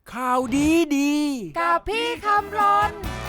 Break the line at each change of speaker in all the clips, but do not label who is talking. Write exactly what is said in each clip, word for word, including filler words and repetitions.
ข่าวดีดี
กับพี่คำรน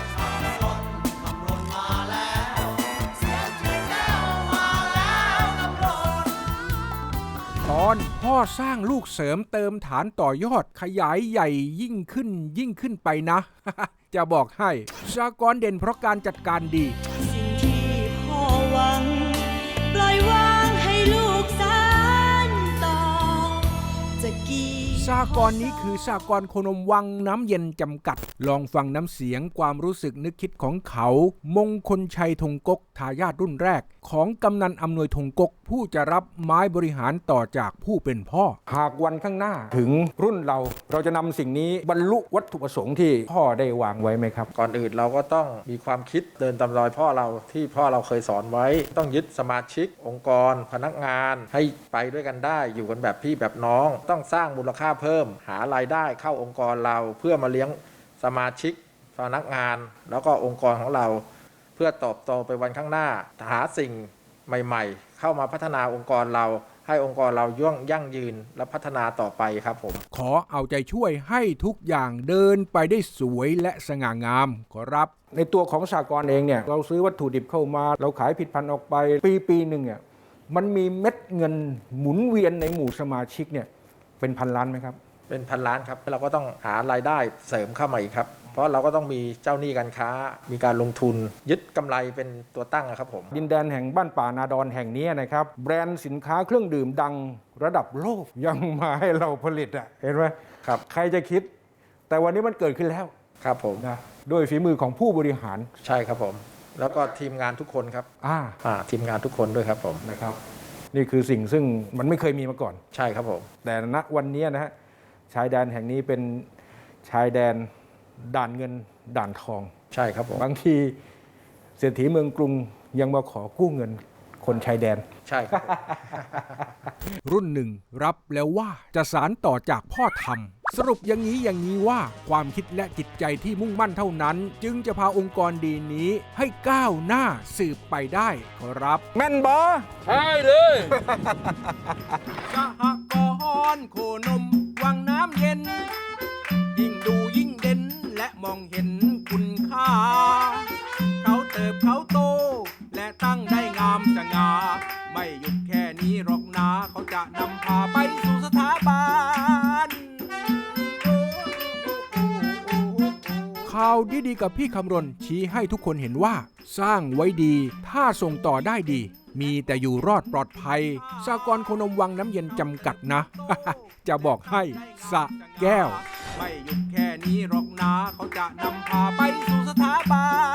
ตอนพ่อสร้างลูกเสริมเติมฐานต่อยอดขยายใหญ่ยิ่งขึ้นยิ่งขึ้นไปนะ จะบอกให้สหกรณ์เด่นเพราะการจัดการดี
สิ่งที่พ่อหวังปล่อยวางให้ลูกสานต่อจะกี่
สหกรณ์นี้คือสหกรณ์โคนมวังน้ำเย็นจำกัดลองฟังน้ำเสียงความรู้สึกนึกคิดของเขามงคลชัยธงกกทายาทรุ่นแรกของกำนันอำนวยธงกกผู้จะรับไม้บริหารต่อจากผู้เป็นพ่อหากวันข้างหน้าถึงรุ่นเราเราจะนำสิ่งนี้บรรลุวัตถุประสงค์ที่พ่อได้วางไว้ไหมครับ
ก่อนอื่นเราก็ต้องมีความคิดเดินตามรอยพ่อเราที่พ่อเราเคยสอนไว้ต้องยึดสมาชิกองค์กรพนักงานให้ไปด้วยกันได้อยู่กันแบบพี่แบบน้องต้องสร้างมูลค่าเพิ่มหารายได้เข้าองค์กรเราเพื่อมาเลี้ยงสมาชิกพนักงานแล้วก็องค์กรของเราเพื่อเติบโตไปวันข้างหน้าหาสิ่งใหม่ๆเข้ามาพัฒนาองค์กรเราให้องค์กรเราย่งยั่งยืนและพัฒนาต่อไปครับผม
ขอเอาใจช่วยให้ทุกอย่างเดินไปได้สวยและสง่างามขอรับในตัวของสหกรณ์เองเนี่ยเราซื้อวัตถุดิบเข้ามาเราขายผิดพันออกไปปีปีหนึ่งเนี่ยมันมีเม็ดเงินหมุนเวียนในหมู่สมาชิกเนี่ยเป็นพันล้านไหมครับ
เป็นพันล้านครับเราก็ต้องหารายได้เสริมเข้ามาอีกครับเพราะเราก็ต้องมีเจ้าหนี้การค้ามีการลงทุนยึดกำไรเป็นตัวตั้งครับผม
ดินแดนแห่งบ้านป่านาดอนแห่งนี้นะครับแบรนด์สินค้าเครื่องดื่มดังระดับโลกยังมาให้เราผลิตอ่ะเห็นไหม
ครับ
ใครจะคิดแต่วันนี้มันเกิดขึ้นแล้ว
ครับผม
นะด้วยฝีมือของผู้บริหาร
ใช่ครับผมแล้วก็ทีมงานทุกคนครับ
อ่า
อ่าทีมงานทุกคนด้วยครับผม
นะครับนี่คือสิ่งซึ่งมันไม่เคยมีมาก่อน
ใช่ครับผม
แต่ณวันนี้นะฮะชายแดนแห่งนี้เป็นชายแดนด่านเงินด่านทอง
ใช่ครับผม
บางทีเศรษฐีเมืองกรุงยังมาขอกู้เงินคนชายแดน
ใช่ครับ
รุ่นหนึ่งรับแล้วว่าจะสานต่อจากพ่อทำสรุปอย่างนี้อย่างนี้ว่าความคิดและจิตใจที่มุ่งมั่นเท่านั้นจึงจะพาองค์กรดีนี้ให้ก้าวหน้าสืบไปได้ขอรับแม่นบอ
ใช่เลย
สหกรณ์โคนมวังน้ำเย็นยิ่งดูยิ่งเด่นและมองเห็นคุณค่าเขาเติบเขาโตและตั้งได้งามสง่าไม่หยุดแค่นี้หรอกนะเขาจะนำพาไปสู่สถาบันข่าวดีๆกับพี่คำรณชี้ให้ทุกคนเห็นว่าสร้างไว้ดีถ้าส่งต่อได้ดีมีแต่อยู่รอดปลอดภัยสหกรณ์โคนมวังน้ำเย็นจำกัดนะ จะบอกให้สะแก้วไม่หยุดแค่นี้หรอกนะเขาจะนำพาไปสู่สถาบัน